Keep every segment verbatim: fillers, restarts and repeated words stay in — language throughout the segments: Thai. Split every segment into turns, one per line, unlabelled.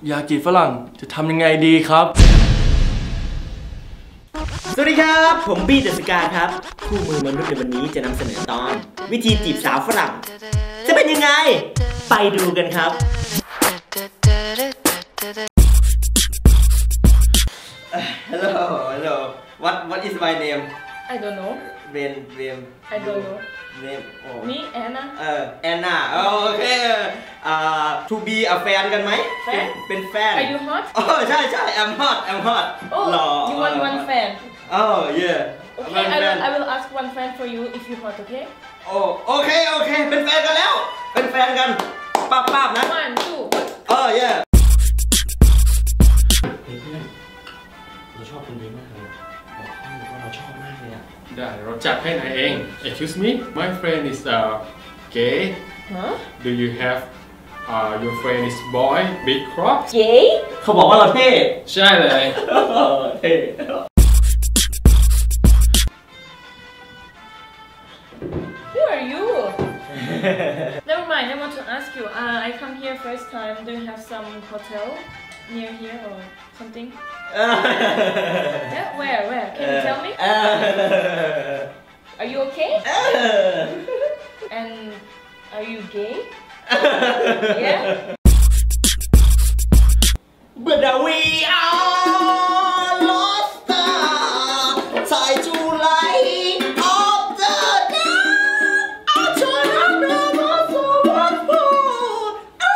อยากจีบฝรั่งจะทำยังไงดีครับ
สวัสดีครับผมบี้เดอะสกาครับคู่มือมนุษย์ในวันนี้จะนำเสนอตอนวิธีจีบสาวฝรั่งจะเป็นยังไงไปดูกันครับ Hello Hello What What is my name
I don't know
Ben Ben
I don't know
Name oh
Me Anna
เออ Anna โอเคอ่า to be a fan กันไหมเป็นแฟน
Are you hot
อ๋อใช่ใช่ I'm hot I'm hot
Oh you want one fan
Oh yeah
Okay I will I will ask one fan for you if you hot okay
โอ้โอเคโอเคเป็นแฟนกันแล้วเป็นแฟนกันป้าป้านะ
One two
เออ yeah เฮ้ยเพื่อนเราชอบคนนี้มากเลยบอกเขาเลยว่าเราชอบมากเลยอ่ะ
ได้เราจัดให้นายเอง Excuse me my friend is uh gay
Huh
Do you have uh your friend is boy big crop
Gay
เขาบอกว่าเราเท่
ใช่เลย
เท่
Who are you Never mind I want to ask you uh, I come here first time Do you have some hotel near here or something Yeah where where can you tell me Are you okay And are you gay Yeah
But we are lost Try to light up the dark I turn up the world so much more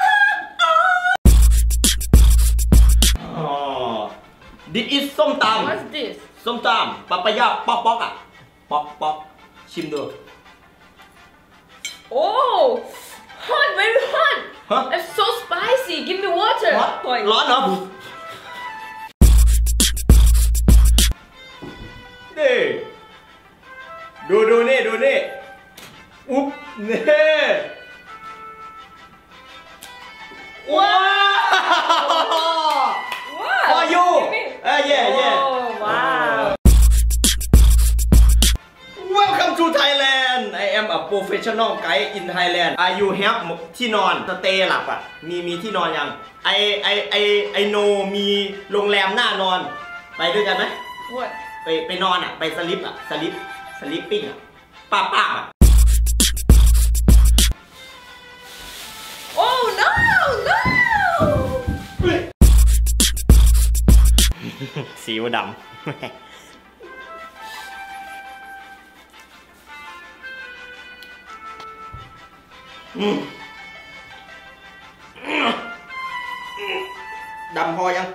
Oh This is ส้มตำ
What's this
ส้มตำปะปะยะป๊อกป๊อกอ่ะป๊อกป๊อกชิมดู
Oh hot very hot
Huh?
It's so spicy give me water
ร้อนเหรอนี่ดูดูนี่ดูนี่อุ๊บนี่ว้าว
Wow
For you เอ้ย yeah yeah
Oh wow
Welcome to Thailand I am a professional guide in Thailand Are you have ที่นอนสเตย์หลับอ่ะมีมีที่นอนยังไอไอไอไอโนมีโรงแรมหน้านอนไปด้วยกันไหม
What
ไปไปนอนอ่ะไปสลิปอ่ะสลิปสลิปปิ้งอ่ะป้าป้าอ่ะ
Oh no no
สีวดำดำพอยัง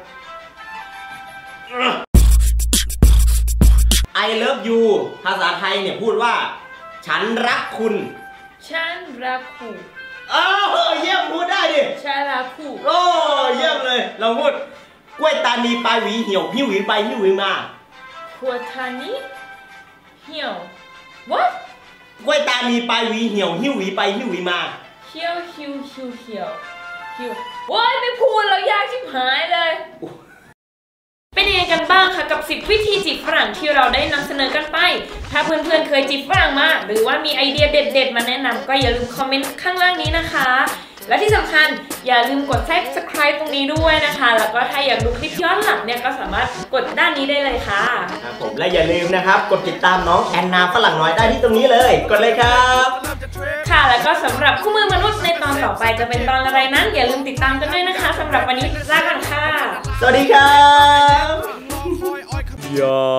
I love you ภาษาไทยเนี่ยพูดว่าฉันรักคุณ
ฉันรักคุณ
เออเยี่ยมพูดได้ดิ
ฉันรักคุณ
โอ้เยี่ยมเลยเราพูดกล้วยตานีปลายหวีเหี่ยวหิ้วหวีไปหิ้วหวีมา
ขวดทานีเหี่ยว What
กล้วยตานีปลายหวีเหี่ยวหิ้วหวีไปหิ้วหวีมา
เหี่ยวหิวหิวเหี่ยวหิวว้ายไม่พูดแล้วยากชิบหายเลยเป็นยังไงกันบ้างคะกับสิบวิธีจีบฝรั่งที่เราได้นำเสนอกันไปถ้าเพื่อนๆเคยจีบฝรั่งมาหรือว่ามีไอเดียเด็ดๆมาแนะนำก็อย่าลืมคอมเมนต์ข้างล่างนี้นะคะและที่สำคัญอย่าลืมกด Subscribe ตรงนี้ด้วยนะคะแล้วก็ถ้าอยากดูคลิปย้อนหลังเนี่ยก็สามารถกดด้านนี้ได้เลยค่ะ
ครับผมและอย่าลืมนะครับกดติดตามน้องแอนนาฝรั่งน้อยได้ที่ตรงนี้เลยกดเลยครับ
ค่ะแล้วก็สำหรับคู่มือมนุษย์ในตอนต่อไปจะเป็นตอนอะไรนั้นอย่าลืมติดตามกันด้วยนะคะสำหรับวันนี้ลากันค่ะ
สวัสดีครับยา